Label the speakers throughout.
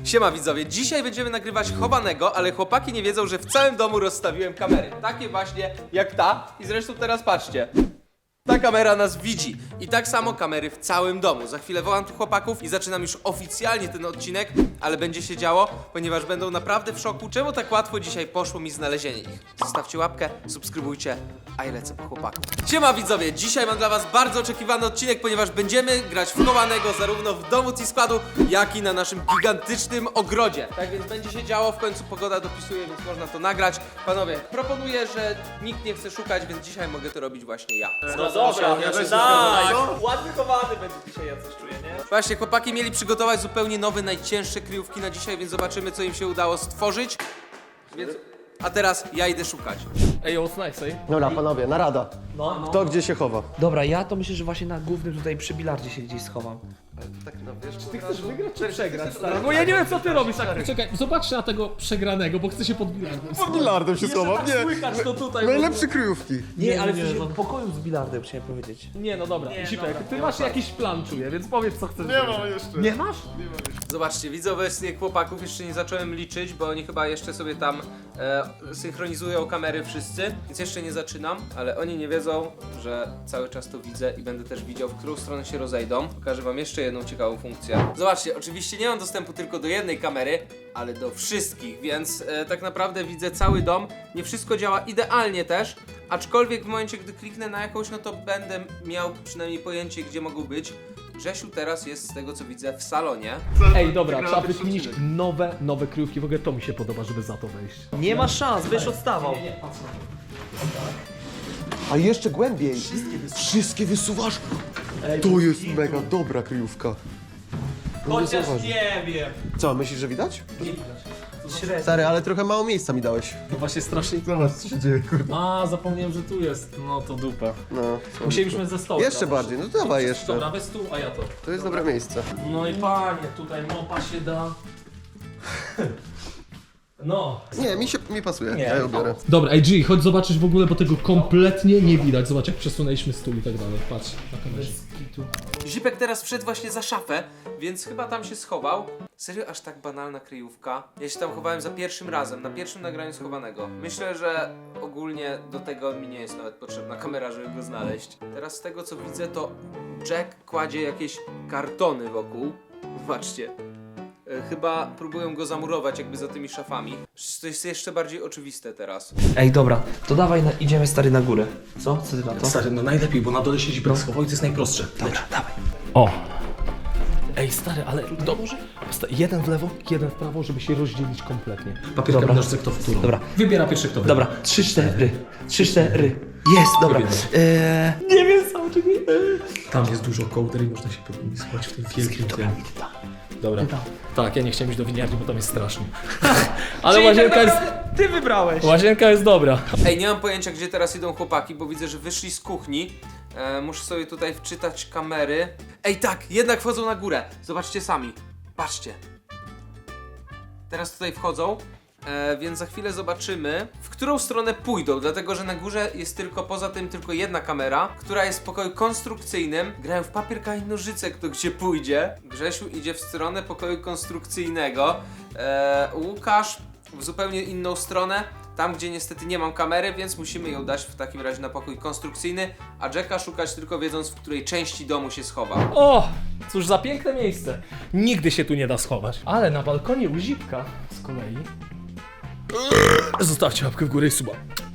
Speaker 1: Siema widzowie, dzisiaj będziemy nagrywać chowanego, ale chłopaki nie wiedzą, że w całym domu rozstawiłem kamery. Takie właśnie jak ta i zresztą teraz patrzcie. Ta kamera nas widzi i tak samo kamery w całym domu. Za chwilę wołam tu chłopaków i zaczynam już oficjalnie ten odcinek, ale będzie się działo, ponieważ będą naprawdę w szoku, czemu tak łatwo dzisiaj poszło mi znalezienie ich. Zostawcie łapkę, subskrybujcie, a ja lecę po chłopaków. Siema widzowie, dzisiaj mam dla was bardzo oczekiwany odcinek, ponieważ będziemy grać w chowanego zarówno w domu T-Składu, jak i na naszym gigantycznym ogrodzie. Tak więc będzie się działo, w końcu pogoda dopisuje, więc można to nagrać. Panowie, proponuję, że nikt nie chce szukać, więc dzisiaj mogę to robić właśnie ja.
Speaker 2: Dobra, ja się
Speaker 3: tak. Ładny chowany będzie dzisiaj, ja coś czuję, nie?
Speaker 1: Właśnie, chłopaki mieli przygotować zupełnie nowe, najcięższe kryjówki na dzisiaj, więc zobaczymy, co im się udało stworzyć. Więc... A teraz ja idę szukać.
Speaker 2: Ej, what's nice, ej?
Speaker 4: Dobra, panowie, narada.
Speaker 3: No.
Speaker 4: Kto gdzie się chowa?
Speaker 3: Dobra, ja to myślę, że właśnie na głównym tutaj przy bilardzie się gdzieś schowam.
Speaker 4: Tak, no wiesz,
Speaker 2: Ty chcesz wygrać czy przegrać, stary? No ja nie wiem, co ty robisz, tak? Czekaj, zobaczcie na tego przegranego, bo chcę się pod bilardem.
Speaker 4: pod bilardem się schowam, nie.
Speaker 2: Słychać to tutaj.
Speaker 4: Najlepsze kryjówki.
Speaker 3: Nie, ale
Speaker 2: nie,
Speaker 3: w
Speaker 2: no.
Speaker 3: pokoju z bilardem chciałem powiedzieć.
Speaker 2: Nie, no dobra, Zipek, ty masz jakiś plan, czuję, więc powiedz, co chcesz
Speaker 4: Nie
Speaker 2: zrobić.
Speaker 4: mam jeszcze.
Speaker 2: Nie masz?
Speaker 1: Zobaczcie, widzę obecnie chłopaków, jeszcze nie zacząłem liczyć, bo oni chyba jeszcze sobie tam synchronizują kamery wszyscy, więc jeszcze nie zaczynam, ale oni nie wiedzą, że cały czas to widzę i będę też widział, w którą stronę się rozejdą. Pokażę wam jeszcze jedną ciekawą funkcję. Zobaczcie, oczywiście nie mam dostępu tylko do jednej kamery, ale do wszystkich, więc tak naprawdę widzę cały dom. Nie wszystko działa idealnie też, aczkolwiek w momencie, gdy kliknę na jakąś, no to będę miał przynajmniej pojęcie, gdzie mogą być. Grzesiu teraz jest, z tego co widzę, w salonie.
Speaker 2: Ej, dobra, trzeba wykminić nowe kryjówki, w ogóle to mi się podoba, żeby za to wejść.
Speaker 3: Nie ma szans, będziesz odstawał.
Speaker 2: patrz na
Speaker 4: A jeszcze głębiej. Wszystkie wysuwasz. To jest mega dobra kryjówka.
Speaker 3: Chociaż
Speaker 4: zauważył.
Speaker 3: nie wiem.
Speaker 4: Co, myślisz, że widać?
Speaker 3: Średnio.
Speaker 4: Stary, ale trochę mało miejsca mi dałeś.
Speaker 2: No właśnie strasznie...
Speaker 4: Zobacz, co się dzieje, kurde.
Speaker 2: A, zapomniałem, że tu jest. No to dupa.
Speaker 4: No.
Speaker 2: Musieliśmy ze stołu.
Speaker 4: Jeszcze bardziej, no dawaj jeszcze.
Speaker 2: Dobra, weź tu, a ja to.
Speaker 4: To jest dobre miejsce.
Speaker 2: No i panie, tutaj mopa się da. No.
Speaker 4: Nie, mi pasuje.
Speaker 2: Nie,
Speaker 4: Ja ją biorę.
Speaker 2: Dobra, ej G, chodź zobaczyć w ogóle, bo tego kompletnie nie widać. Zobacz, jak przesunęliśmy stół i tak dalej. Patrz, na kamerze.
Speaker 1: Zipek teraz wszedł właśnie za szafę, więc chyba tam się schował. Serio, aż tak banalna kryjówka? Ja się tam chowałem za pierwszym razem, na pierwszym nagraniu schowanego. Myślę, że ogólnie do tego mi nie jest nawet potrzebna kamera, żeby go znaleźć. Teraz z tego co widzę, to Jack kładzie jakieś kartony wokół. Zobaczcie. Chyba próbują go zamurować jakby za tymi szafami. To jest jeszcze bardziej oczywiste teraz.
Speaker 3: Ej, dobra, to dawaj, idziemy stary na górę. Co? Co ty na to?
Speaker 2: Stary, no najlepiej, bo na dole się Zipek schował i to jest najprostsze.
Speaker 3: Dobra, dawaj.
Speaker 2: O! Ej stary, ale dobrze. Jeden w lewo, jeden w prawo, żeby się rozdzielić kompletnie. Papier,
Speaker 3: Dobra.
Speaker 2: kamień, kto w którą.
Speaker 3: Dobra.
Speaker 2: Wybiera pierwszy kto.
Speaker 3: Dobra, 3-4. 3-4. Jest, dobra. Nie wiem sam, czy nie.
Speaker 2: Tam jest dużo kołder i można się spać w tym wielkim tym. Dobra. Tak, ja nie chciałem iść do winiarni, bo tam jest strasznie. Ale łazienka jest...
Speaker 3: Ty wybrałeś.
Speaker 2: Łazienka jest dobra.
Speaker 1: Ej, nie mam pojęcia, gdzie teraz idą chłopaki, bo widzę, że wyszli z kuchni. Muszę sobie tutaj wczytać kamery. Ej, tak, jednak wchodzą na górę. Zobaczcie sami. Patrzcie. Teraz tutaj wchodzą, więc za chwilę zobaczymy, w którą stronę pójdą, dlatego że na górze jest poza tym tylko jedna kamera, która jest w pokoju konstrukcyjnym. Grają w papier, kamień, nożyce, kto gdzie pójdzie. Grzesiu idzie w stronę pokoju konstrukcyjnego. Łukasz w zupełnie inną stronę. Tam, gdzie niestety nie mam kamery, więc musimy ją dać w takim razie na pokój konstrukcyjny, a Jacka szukać tylko wiedząc, w której części domu się schowa.
Speaker 2: O! Cóż za piękne miejsce. Nigdy się tu nie da schować. Ale na balkonie u Zipka z kolei... Zostawcie łapkę w górę i suba.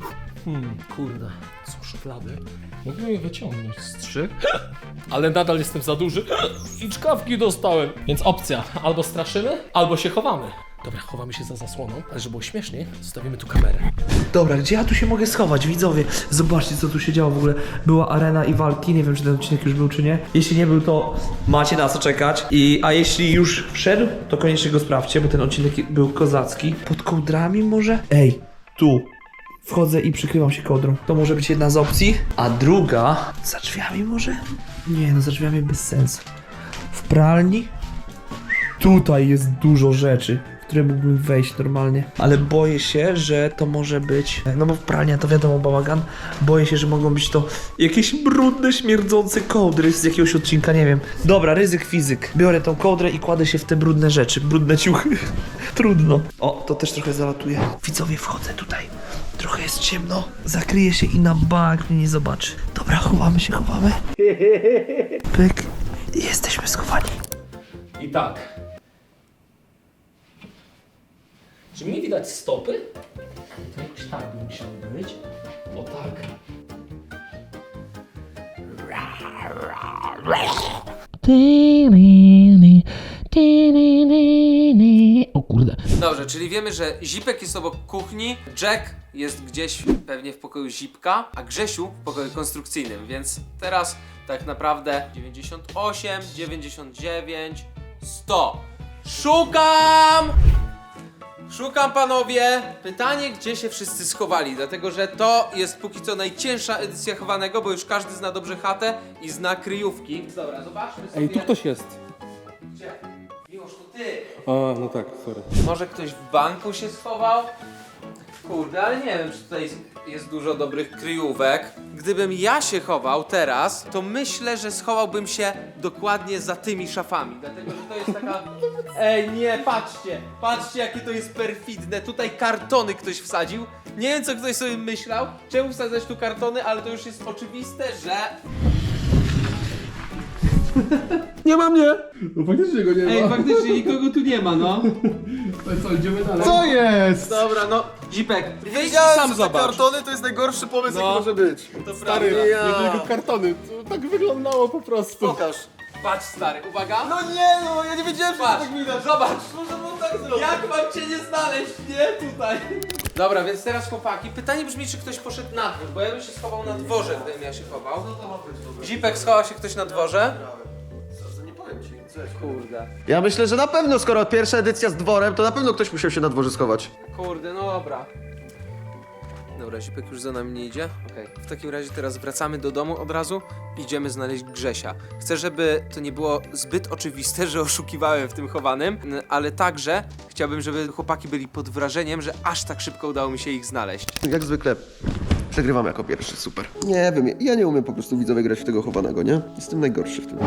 Speaker 2: Kurde, są szuflady. Mógłbym je wyciągnąć z 3, ale nadal jestem za duży i czkawki dostałem. Więc opcja, albo straszymy, albo się chowamy. Dobra, chowamy się za zasłoną, ale żeby było śmieszniej, zostawimy tu kamerę.
Speaker 3: Dobra, gdzie ja tu się mogę schować, widzowie? Zobaczcie, co tu się działo w ogóle. Była arena i walki, nie wiem, czy ten odcinek już był, czy nie. Jeśli nie był, to macie na co czekać. A jeśli już wszedł, to koniecznie go sprawdźcie, bo ten odcinek był kozacki. Pod kołdrami może? Ej, tu. Wchodzę i przykrywam się kołdrą. To może być jedna z opcji. A druga... Za drzwiami może? Nie, no za drzwiami bez sensu. W pralni? Tutaj jest dużo rzeczy, w które mógłbym wejść normalnie. Ale boję się, że to może być... No bo pralnia to wiadomo, bałagan. Boję się, że mogą być to jakieś brudne, śmierdzące kołdry z jakiegoś odcinka, nie wiem. Dobra, ryzyk fizyk. Biorę tą kołdrę i kładę się w te brudne rzeczy, brudne ciuchy. Trudno. O, to też trochę zalatuje. Widzowie, wchodzę tutaj. Trochę jest ciemno. Zakryję się i na bank mnie nie zobaczy. Dobra, chowamy się, chowamy. Pyk. Jesteśmy schowani.
Speaker 2: I tak. Czy mi widać stopy? To jakoś tak by musiało być. O tak. O kurde.
Speaker 1: Dobrze, czyli wiemy, że Zipek jest obok kuchni, Jack jest gdzieś pewnie w pokoju Zipka, a Grzesiu w pokoju konstrukcyjnym, więc teraz tak naprawdę 98, 99, 100. Szukam! Szukam, panowie! Pytanie, gdzie się wszyscy schowali, dlatego że to jest póki co najcięższa edycja chowanego, bo już każdy zna dobrze chatę i zna kryjówki. Dobra, zobaczmy sobie...
Speaker 5: Ej, tu ktoś jest.
Speaker 1: Gdzie? Miłosz, to ty!
Speaker 5: A, no tak, sorry.
Speaker 1: Może ktoś w banku się schował? Kurde, ale nie wiem, czy tutaj jest dużo dobrych kryjówek. Gdybym ja się chował teraz, to myślę, że schowałbym się dokładnie za tymi szafami. Dlatego, że to jest taka... Ej, nie, patrzcie! Patrzcie, jakie to jest perfidne. Tutaj kartony ktoś wsadził. Nie wiem, co ktoś sobie myślał. Czemu wsadzać tu kartony, ale to już jest oczywiste, że...
Speaker 5: Nie ma mnie! No faktycznie go nie ma.
Speaker 1: Ej, faktycznie nikogo tu nie ma, no.
Speaker 5: To co, idziemy dalej?
Speaker 4: Co jest?
Speaker 1: Dobra, no, Zipek, wyjdź i
Speaker 4: Wiedziałem,
Speaker 1: sam
Speaker 4: że te
Speaker 1: zobacz.
Speaker 4: kartony to jest najgorszy pomysł,
Speaker 1: No.
Speaker 4: jaki może być.
Speaker 1: To
Speaker 5: Stary,
Speaker 1: prawda.
Speaker 5: nie tylko kartony, to tak wyglądało po prostu.
Speaker 4: Pokaż.
Speaker 1: Patrz, stary, uwaga.
Speaker 4: No nie no, ja nie wiedziałem, że to
Speaker 1: Patrz,
Speaker 4: tak widać.
Speaker 1: zobacz.
Speaker 4: Może było tak zrobić.
Speaker 1: Jak mam cię nie znaleźć, nie? Tutaj. Dobra, więc teraz chłopaki, pytanie brzmi, czy ktoś poszedł na dwór, bo ja bym się schował na dworze, gdybym ja się chował. Zipek, schował się ktoś na dworze?
Speaker 4: Nie powiem ci, coś.
Speaker 1: Kurde.
Speaker 4: Ja myślę, że na pewno, skoro pierwsza edycja z dworem, to na pewno ktoś musiał się na dworze schować.
Speaker 1: Kurde, no dobra. Dobra, Zipek już za nami nie idzie. Okej. W takim razie teraz wracamy do domu od razu. Idziemy znaleźć Grzesia. Chcę, żeby to nie było zbyt oczywiste, że oszukiwałem w tym chowanym, ale także chciałbym, żeby chłopaki byli pod wrażeniem, że aż tak szybko udało mi się ich znaleźć.
Speaker 4: Jak zwykle przegrywam jako pierwszy, super. Nie wiem, ja nie umiem po prostu widzowie grać w tego chowanego, nie? Jestem najgorszy w tym.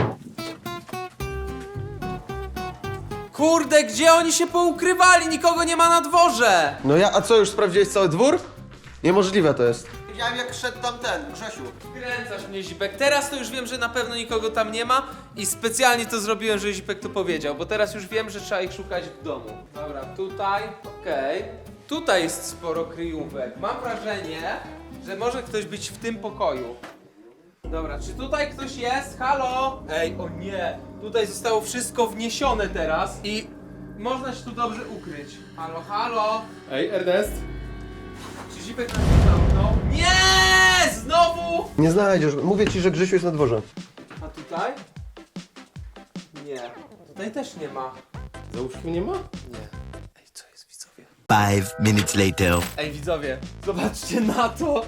Speaker 1: Kurde, gdzie oni się poukrywali? Nikogo nie ma na dworze!
Speaker 4: No ja, a co, już sprawdziłeś cały dwór? Niemożliwe to jest. Widziałem jak szedł tam ten, Grzesiu.
Speaker 1: Kręcasz mnie, Zipek. Teraz to już wiem, że na pewno nikogo tam nie ma i specjalnie to zrobiłem, że Zipek to powiedział, bo teraz już wiem, że trzeba ich szukać w domu. Dobra, tutaj, okej. Tutaj jest sporo kryjówek. Mam wrażenie, że może ktoś być w tym pokoju. Dobra, czy tutaj ktoś jest? Halo? Ej, o nie! Tutaj zostało wszystko wniesione teraz i można się tu dobrze ukryć. Halo, halo?
Speaker 5: Ej, Ernest?
Speaker 1: Czy Zipek nas nie zamknął? Nie! Znowu!
Speaker 4: Nie znajdziesz, mówię ci, że Grzesiu jest na dworze.
Speaker 1: A tutaj? Nie. Tutaj też nie ma.
Speaker 5: Za łóżkiem nie ma?
Speaker 1: Nie. Ej, co jest, widzowie?
Speaker 6: 5 minutes later.
Speaker 1: Ej, widzowie, zobaczcie na to!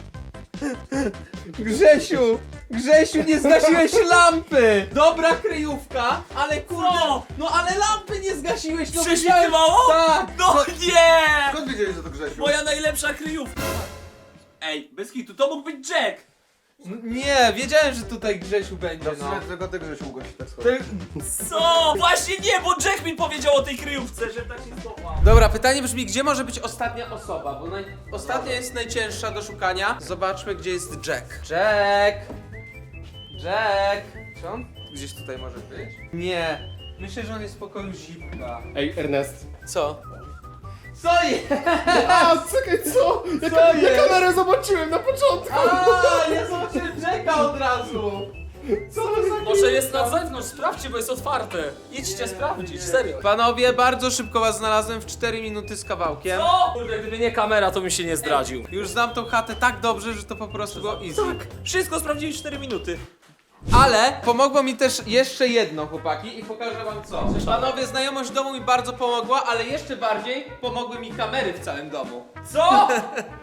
Speaker 1: Grzesiu! Grzesiu, nie zgasiłeś lampy! Dobra kryjówka, ale kurde... No ale lampy nie zgasiłeś, no
Speaker 7: Prześwitywało?
Speaker 1: Tak!
Speaker 7: No nie!
Speaker 4: Skąd wiedziałeś, że to Grzesiu?
Speaker 7: Moja najlepsza kryjówka! Ej, bez kitu, to mógł być Jack!
Speaker 1: Nie, wiedziałem, że tutaj Grzesiu będzie, no.
Speaker 4: Tylko ty Grzesiu mogłeś tak schować.
Speaker 1: Ty...
Speaker 7: Co? Właśnie nie, bo Jack mi powiedział o tej kryjówce, że tak się schował.
Speaker 1: Dobra, pytanie brzmi, gdzie może być ostatnia osoba, bo ostatnia jest najcięższa do szukania. Zobaczmy, gdzie jest Jack. Jack! Jack! Czy on gdzieś tutaj może być? Nie. Myślę, że on jest w pokoju Zipka.
Speaker 5: Ej, Ernest.
Speaker 1: Co? Co jest?
Speaker 5: A, czekaj, co? Ja kamerę zobaczyłem na początku!
Speaker 1: A, ja zobaczyłem Jacka od razu! Co to za
Speaker 7: Może jest na zewnątrz, sprawdźcie, bo jest otwarte. Idźcie sprawdzić, serio.
Speaker 1: Panowie, bardzo szybko was znalazłem w 4 minuty z kawałkiem.
Speaker 7: Co? Kurde, gdyby nie kamera, to bym się nie zdradził.
Speaker 1: Już znam tą chatę tak dobrze, że to po prostu było easy.
Speaker 7: Tak, wszystko sprawdzili w 4 minuty.
Speaker 1: Ale pomogło mi też jeszcze jedno, chłopaki, i pokażę wam co. Panowie, znajomość domu mi bardzo pomogła, ale jeszcze bardziej pomogły mi kamery w całym domu.
Speaker 7: Co?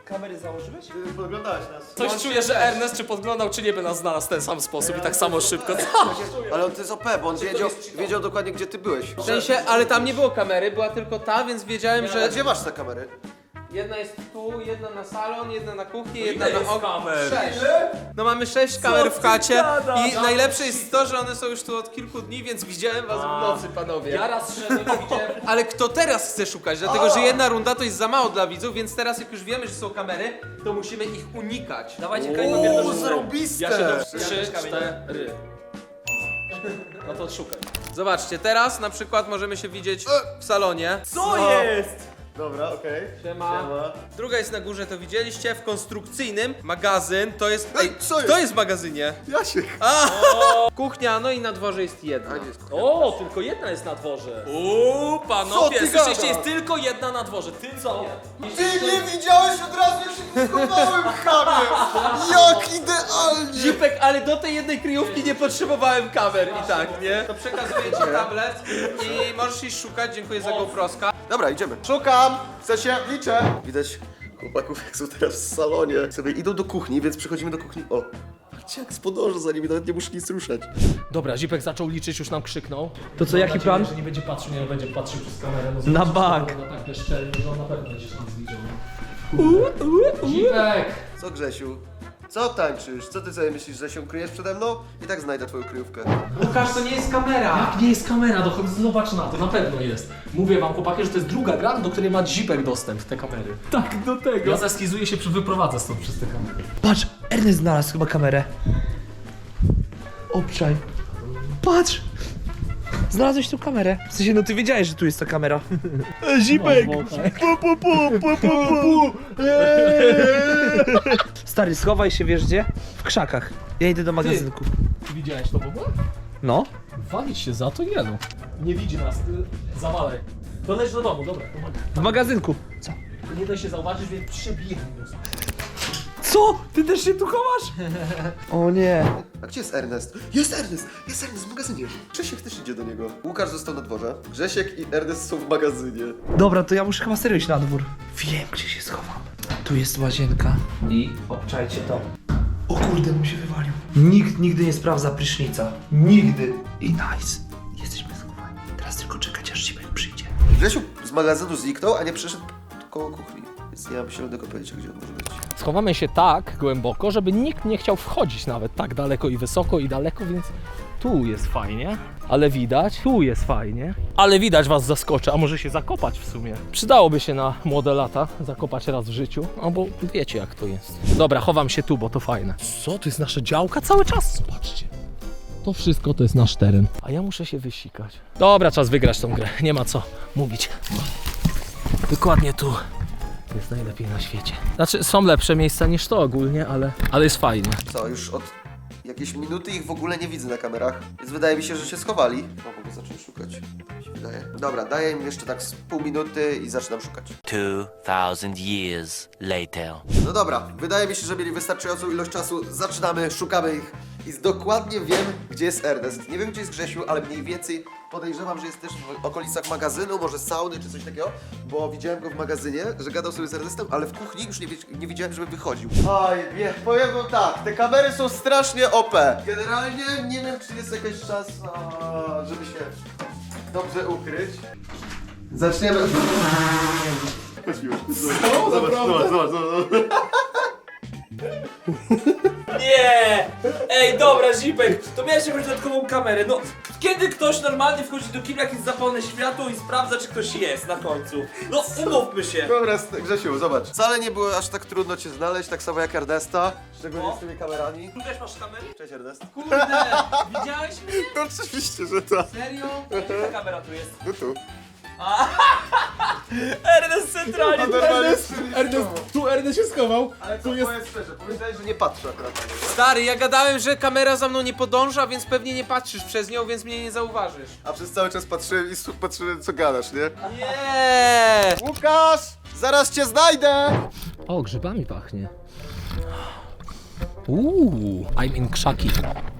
Speaker 7: kamery założyłeś?
Speaker 4: Podglądałeś nas.
Speaker 2: Coś czuję, że Ernest czy podglądał, czy nie by nas znalazł w ten sam sposób i tak samo szybko.
Speaker 4: Ale on to jest OP, bo on wiedział dokładnie, gdzie ty byłeś.
Speaker 1: W sensie, ale tam nie było kamery, była tylko ta, więc wiedziałem,
Speaker 4: A
Speaker 1: że
Speaker 4: gdzie masz te kamery?
Speaker 1: jedna jest tu, jedna na salon, jedna na kuchni,
Speaker 7: ile
Speaker 1: jedna na
Speaker 7: jest
Speaker 1: okno.
Speaker 7: kamer?
Speaker 1: 6. No mamy 6 kamer w
Speaker 7: ty
Speaker 1: chacie
Speaker 7: gadasz?
Speaker 1: i najlepsze jest to, że one są już tu od kilku dni, więc widziałem was w nocy, panowie.
Speaker 2: Ja raz szedłem i widziałem...
Speaker 1: Ale kto teraz chce szukać? Dlatego, że jedna runda to jest za mało dla widzów, więc teraz jak już wiemy, że są kamery, to musimy ich unikać.
Speaker 7: Dawajcie kamień papier nożyce.
Speaker 4: zarąbiste!
Speaker 2: Ja się do 3, 4. No to szukaj.
Speaker 1: Zobaczcie, teraz na przykład możemy się widzieć w salonie.
Speaker 7: Co jest?
Speaker 4: Dobra, okej.
Speaker 1: Siema. Druga jest na górze, to widzieliście, w konstrukcyjnym. Magazyn, to jest...
Speaker 4: Ej, co jest?
Speaker 1: Kto jest w magazynie?
Speaker 4: Jasiek.
Speaker 1: Kuchnia, no i na dworze jest jedna.
Speaker 2: O, tylko jedna jest na dworze.
Speaker 7: Uuu,
Speaker 4: Co
Speaker 7: panowie,
Speaker 4: ty
Speaker 7: słyszeliście,
Speaker 4: gadasz?
Speaker 7: jest tylko jedna na dworze. Ty co?
Speaker 4: Ty nie widziałeś od razu, jak się tu schowałem, chamie! Jak idealnie!
Speaker 1: Zipek, ale do tej jednej kryjówki nie potrzebowałem kamer i tak, nie? To przekazuję ci tablet i możesz iść szukać, dziękuję za GoProska.
Speaker 4: Dobra, idziemy. Szukam! Chcę się, liczę! Widać chłopaków, jak są teraz w salonie. Sobie idą do kuchni, więc przechodzimy do kuchni. O! Patrzcie, jak spodążę za nimi, nawet nie muszę nic ruszać.
Speaker 2: Dobra, Zipek zaczął liczyć, już nam krzyknął.
Speaker 3: To co, jaki plan?
Speaker 2: Że nie będzie patrzył, nie będzie patrzył przez kamerę. No
Speaker 3: Na
Speaker 2: zobaczysz,
Speaker 3: bank.
Speaker 2: że on tak bezczelny, że on na pewno będzie się nic widział. Zipek!
Speaker 4: Co, Grzesiu? Co tańczysz? Co ty sobie myślisz, że się ukryjesz przede mną? I tak znajdę twoją kryjówkę.
Speaker 1: Łukasz, to nie jest kamera.
Speaker 2: Jak nie jest kamera, to chodź zobacz na to, na pewno jest. Mówię wam, chłopaki, że to jest druga gra, do której ma Zipek dostęp, te kamery. Tak, do tego. Ja zeskizuję się, wyprowadzę stąd przez te kamery.
Speaker 3: Patrz, Ernest znalazł chyba kamerę. Obczaj. Patrz! Znalazłeś tu kamerę. W sensie, no ty wiedziałeś, że tu jest ta kamera. Zipek! Stary, schowaj się, wiesz gdzie? W krzakach. Ja idę do magazynku.
Speaker 2: Ty widziałeś to w ogóle?
Speaker 3: No?
Speaker 2: Walić się za to jelo. Nie widzi nas, zawalaj. To leć do domu, dobra, pomagaj.
Speaker 3: W magazynku. Co?
Speaker 2: Nie da się zauważyć, więc przebiegnij.
Speaker 3: Co? Ty też się tu chowasz? O nie.
Speaker 4: A gdzie jest Ernest? Jest Ernest! Jest Ernest w magazynie! Grzesiek też idzie do niego. Łukasz został na dworze. Grzesiek i Ernest są w magazynie.
Speaker 3: Dobra, to ja muszę chyba serio iść na dwór. Wiem, gdzie się schowam. Tu jest łazienka. I obczajcie to. O kurde, mu się wywalił. Nikt nigdy nie sprawdza prysznica. Nigdy. I nice. Jesteśmy schowani. Teraz tylko czekać, aż Zipek przyjdzie.
Speaker 4: Grzesiu z magazynu zniknął, a nie przyszedł koło kuchni. Więc nie mam zielonego pojęcia, gdzie on może być.
Speaker 2: Schowamy się tak głęboko, żeby nikt nie chciał wchodzić nawet tak daleko i wysoko i daleko, więc tu jest fajnie, ale widać, tu jest fajnie, ale widać was zaskoczy, a może się zakopać w sumie. Przydałoby się na młode lata zakopać raz w życiu, no bo wiecie jak to jest. Dobra, chowam się tu, bo to fajne. Co, to jest nasza działka cały czas? Zobaczcie. To wszystko to jest nasz teren, a ja muszę się wysikać. Dobra, czas wygrać tą grę, nie ma co mówić. Dokładnie tu. Jest najlepiej na świecie. Znaczy, są lepsze miejsca niż to ogólnie, ale jest fajnie.
Speaker 4: Co, już od jakiejś minuty ich w ogóle nie widzę na kamerach, więc wydaje mi się, że się schowali. O, mogę zacząć szukać. Mi się wydaje. Dobra, daję im jeszcze tak z pół minuty i zaczynam szukać.
Speaker 6: 2,000 years later.
Speaker 4: No dobra, wydaje mi się, że mieli wystarczającą ilość czasu. Zaczynamy, szukamy ich. I dokładnie wiem, gdzie jest Ernest. Nie wiem, gdzie jest Grzesiu, ale mniej więcej podejrzewam, że jest też w okolicach magazynu, może sauny czy coś takiego, bo widziałem go w magazynie, że gadał sobie z Ernestem, ale w kuchni już nie widziałem, żeby wychodził. Oj, nie, powiem wam tak, te kamery są strasznie OP. Generalnie nie wiem, czy jest jakiś czas, żeby się dobrze ukryć. Zaczniemy. Zobacz.
Speaker 7: Nie! Ej, dobra, Zipek, to miałeś jakąś dodatkową kamerę. No, kiedy ktoś normalnie wchodzi do kibla, jak jest zapalone światło i sprawdza, czy ktoś jest na końcu? No, umówmy się.
Speaker 4: Dobra, Grzesiu, zobacz. Wcale nie było aż tak trudno cię znaleźć, tak samo jak Ernesta, szczególnie z tymi kamerami.
Speaker 7: Tu też masz kamery?
Speaker 4: Cześć Ernest.
Speaker 1: Kurde, widziałeś mnie?
Speaker 4: No oczywiście, że tak.
Speaker 1: Serio?
Speaker 7: Ta kamera tu jest.
Speaker 4: No tu.
Speaker 7: Ernest centralnie.
Speaker 5: Tu Ernest się schował.
Speaker 4: Ale
Speaker 5: tu jest...
Speaker 4: powiem szczerze, powiedziałeś, że nie patrzę akurat na niego.
Speaker 1: Stary, ja gadałem, że kamera za mną nie podąża, więc pewnie nie patrzysz przez nią, więc mnie nie zauważysz.
Speaker 4: A przez cały czas patrzyłem i patrzyłem, co gadasz, nie?
Speaker 1: Nie!
Speaker 4: Łukasz! Zaraz cię znajdę!
Speaker 2: O, grzybami pachnie. I'm in krzaki.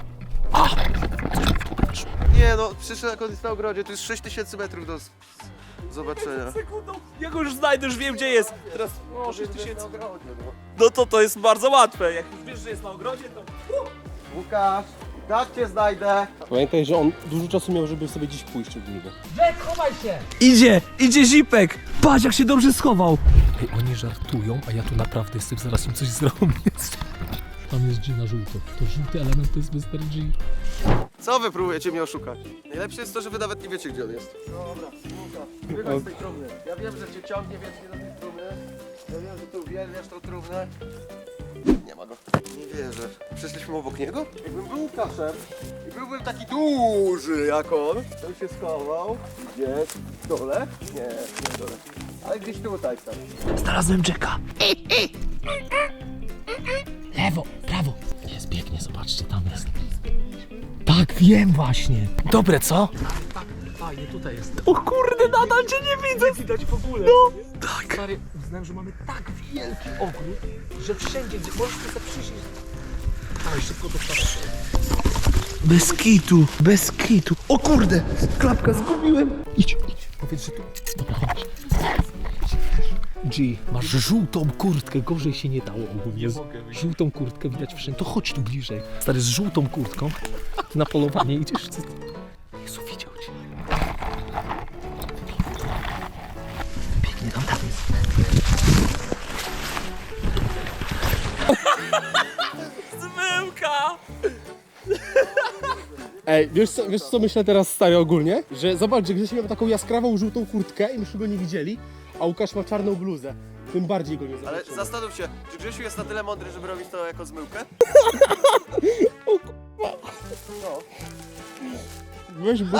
Speaker 4: Nie no, przyszedł jak on jest na ogrodzie, tu jest 6000 metrów do zobaczenia.
Speaker 7: Sekundą, ja go już znajdę, już wiem gdzie jest. Teraz, o, 6000. No to jest bardzo łatwe. Jak już wiesz, że jest na ogrodzie, to...
Speaker 4: Łukasz, tak cię znajdę.
Speaker 5: Pamiętaj, że on dużo czasu miał, żeby sobie gdzieś pójść od niego.
Speaker 3: Idzie Zipek! Patrz jak się dobrze schował!
Speaker 2: Ej, oni żartują, a ja tu naprawdę jestem, zaraz im coś zrobię. Tam jest G na żółto. To żółty element to jest Mr. G.
Speaker 4: Co wy próbujecie mnie oszukać? Najlepsze jest to, że wy nawet nie wiecie, gdzie on jest. Dobra, Łukasz, wychodź z tej trumny. Ja wiem, że cię ciągnie wiecznie do tej trumny. Ja wiem, że ty uwielbiasz tą trumnę. Nie ma go. Nie wierzę. Przeszliśmy obok niego? Jakbym był Łukaszem i byłbym taki duży jak on, to by się schował. Gdzieś w dole? Nie w dole. Ale gdzieś tutaj tam.
Speaker 3: Znalazłem Jacka.
Speaker 2: Lewo, prawo. Jest, biegnie, zobaczcie, tam jest. Tak, wiem właśnie. Dobre, co? Tak, fajnie, tutaj jest.
Speaker 3: O kurde, nadal cię nie widzę!
Speaker 2: Nie widać w ogóle.
Speaker 3: No, tak.
Speaker 2: Stary, uznałem, że mamy tak wielki ogród, że wszędzie, gdzie możesz sobie przyjść. Dawaj, szybko do stacji.
Speaker 3: Bez kitu. O kurde, klapka zgubiłem.
Speaker 2: Idź. Powiedz, że tu. Dobra, chodź. G, masz żółtą kurtkę, gorzej się nie dało ogólnie. Żółtą kurtkę widać wszędzie. To chodź tu bliżej. Stary, z żółtą kurtką. Ty na polowanie idziesz? Co ty? Jezu, widział cię.
Speaker 3: Biegnie tam.
Speaker 7: Zmyłka!
Speaker 5: Ej, wiesz co myślę teraz stary ogólnie? Że zobacz, że Grzesiu miał taką jaskrawą żółtą kurtkę i myśmy go nie widzieli, a Łukasz ma czarną bluzę. Tym bardziej go nie
Speaker 4: Ale
Speaker 5: zobaczymy.
Speaker 4: zastanów się, czy Grzesiu jest na tyle mądry, żeby robić to jako zmyłkę?
Speaker 5: Weź bo...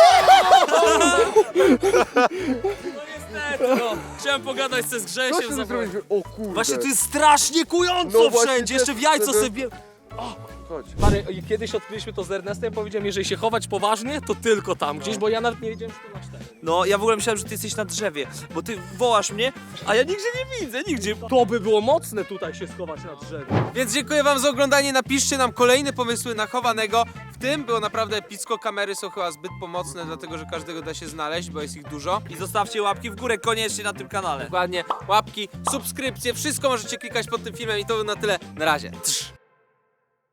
Speaker 7: No, chciałem pogadać z Grzesiem.
Speaker 4: O kurde.
Speaker 7: Właśnie to jest strasznie kująco
Speaker 4: No właśnie
Speaker 7: wszędzie,
Speaker 4: też
Speaker 7: jeszcze w jajco
Speaker 4: wtedy-
Speaker 7: sobie...
Speaker 4: Chodź.
Speaker 2: Stary, kiedyś odkryliśmy to z Ernestem, powiedziałem, jeżeli się chować poważnie, to tylko tam gdzieś, bo ja nawet nie wiedziałem, że to nasz teren.
Speaker 7: No, ja w ogóle myślałem, że ty jesteś na drzewie, bo ty wołasz mnie, a ja nigdzie nie widzę, nigdzie.
Speaker 2: To by było mocne tutaj się schować na drzewie.
Speaker 1: Więc dziękuję wam za oglądanie, napiszcie nam kolejne pomysły na chowanego. W tym było naprawdę epicko, kamery są chyba zbyt pomocne, dlatego że każdego da się znaleźć, bo jest ich dużo.
Speaker 7: I zostawcie łapki w górę koniecznie na tym kanale.
Speaker 1: Dokładnie, łapki, subskrypcje, wszystko możecie klikać pod tym filmem i to by na tyle. Na razie. Trz.